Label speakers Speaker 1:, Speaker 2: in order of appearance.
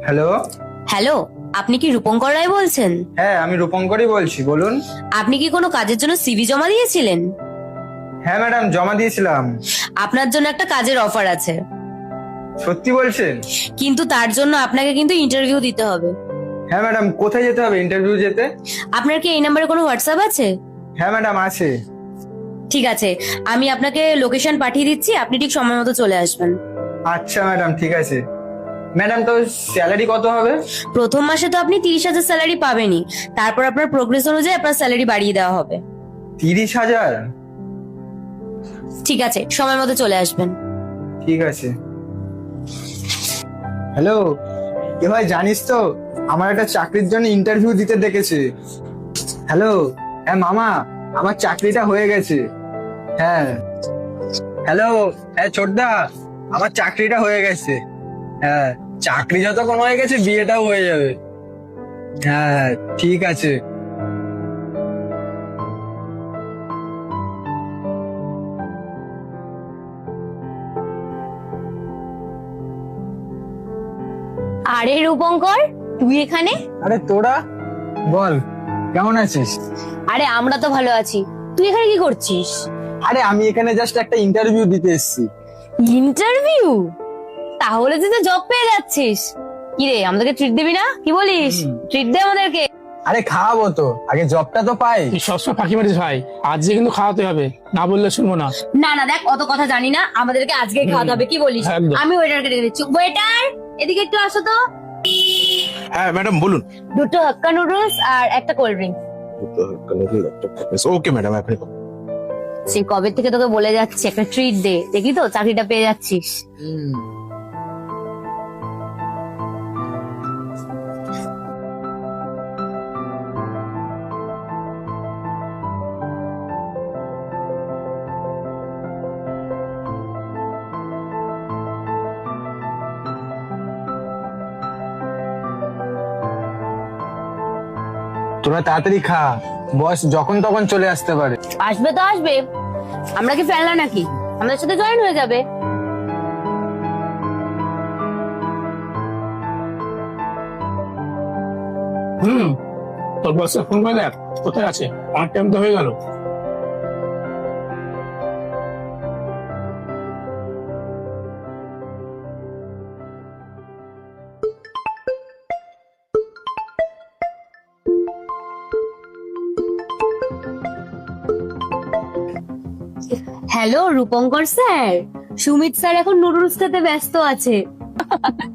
Speaker 1: Hello.
Speaker 2: Hello, আপনি কি রূপঙ্কর রায় বলছেন?
Speaker 1: হ্যাঁ, আমি রূপঙ্করই বলছি, বলুন।
Speaker 2: আপনি কি কোনো কাজের জন্য সিভি জমা দিয়েছিলেন?
Speaker 1: হ্যাঁ ম্যাডাম, জমা দিয়েছিলাম।
Speaker 2: আপনার জন্য একটা কাজের অফার আছে,
Speaker 1: সত্যি বলছেন?
Speaker 2: কিন্তু তার জন্য আপনাকে কিন্তু ইন্টারভিউ দিতে হবে।
Speaker 1: হ্যাঁ ম্যাডাম, কোথায় যেতে হবে ইন্টারভিউ যেতে?
Speaker 2: আপনার কি এই নাম্বারে কোনো হোয়াটসঅ্যাপ আছে?
Speaker 1: হ্যাঁ ম্যাডাম, আছে।
Speaker 2: ঠিক আছে, আমি আপনাকে লোকেশন পাঠিয়ে দিচ্ছি, আপনি ঠিক সময় মতো চলে আসবেন।
Speaker 1: আচ্ছা ম্যাডাম, ঠিক আছে। ম্যাডাম, তো স্যালারি কত হবে?
Speaker 2: প্রথম মাসে তো আপনি 30,000 স্যালারি পাবেনই, তারপর আপনার প্রোগ্রেস অনুযায়ী আপনার স্যালারি বাড়িয়ে দেওয়া হবে।
Speaker 1: 30,000?
Speaker 2: ঠিক আছে, সময় মতো চলে আসবেন।
Speaker 1: ঠিক আছে। হ্যালো, এ ভাই, জানিস তো আমার একটা চাকরির জন্য ইন্টারভিউ দিতে ডেকেছে। হ্যালো। হ্যাঁ মামা, আমার চাকরিটা হয়ে গেছে। হ্যাঁ। হ্যালো। হ্যাঁ ছোটদা, আমার চাকরিটা হয়ে গেছে। হ্যাঁ, চাকরি যতক্ষণ হয়ে গেছে বিয়েটাও হয়ে যাবে। হ্যাঁ, ঠিক আছে।
Speaker 2: আরে রূপঙ্কর, তুই এখানে?
Speaker 1: আরে তোরা, বল কেমন আছিস?
Speaker 2: আরে আমরা তো ভালো আছি, তুই এখানে কি করছিস?
Speaker 1: আরে আমি এখানে জাস্ট একটা ইন্টারভিউ দিতে এসেছি।
Speaker 2: ইন্টারভিউ? তাহলে তুই তো জব পেয়ে যাচ্ছিস। কি রে, আমাদেরকে ট্রিট দিবি না? কি বলিস? ট্রিট দে আমাদেরকে।
Speaker 1: আরে খাওয়াবো তো, আগে জবটা তো পাই।
Speaker 3: তুই সবসময় ফাঁকি মারিস ভাই, আজকে কিন্তু খাওয়াতে হবে, না বললে শুনবো না।
Speaker 2: না না, দেখ অত কথা জানি না, আমাদেরকে আজকে খাওয়াতে হবে, কি বলিস?
Speaker 3: একদম।
Speaker 2: আমি ওয়েটারকে ডেকে দিচ্ছি। ওয়েটার, এদিকে একটু আসো তো।
Speaker 4: হ্যাঁ ম্যাডাম, বলুন।
Speaker 2: দুটো হাক্কা নুডলস আর একটা কোল্ড ড্রিঙ্ক।
Speaker 4: ওকে ম্যাডাম, আপনি
Speaker 2: সেই কবে থেকে তোকে বলে যাচ্ছি একটা ট্রিট দে, দেখি তো চাকরিটা পেয়ে যাচ্ছিস।
Speaker 1: তোরা তাড়াতাড়ি খা, বস যখন তখন চলে আসতে পারে।
Speaker 2: আসবে তো আসবে, আমরা কি ফেলনা নাকি? আমাদের সাথে জয়েন হয়ে যাবে।
Speaker 3: হুম, তোর বসে ফোন করে দেখ কোথায় আছে, আমার টাইম তো হয়ে গেল।
Speaker 2: Hello Rupankar sir, Sumit sir এখন নুডলস খেতে ব্যস্ত আছে।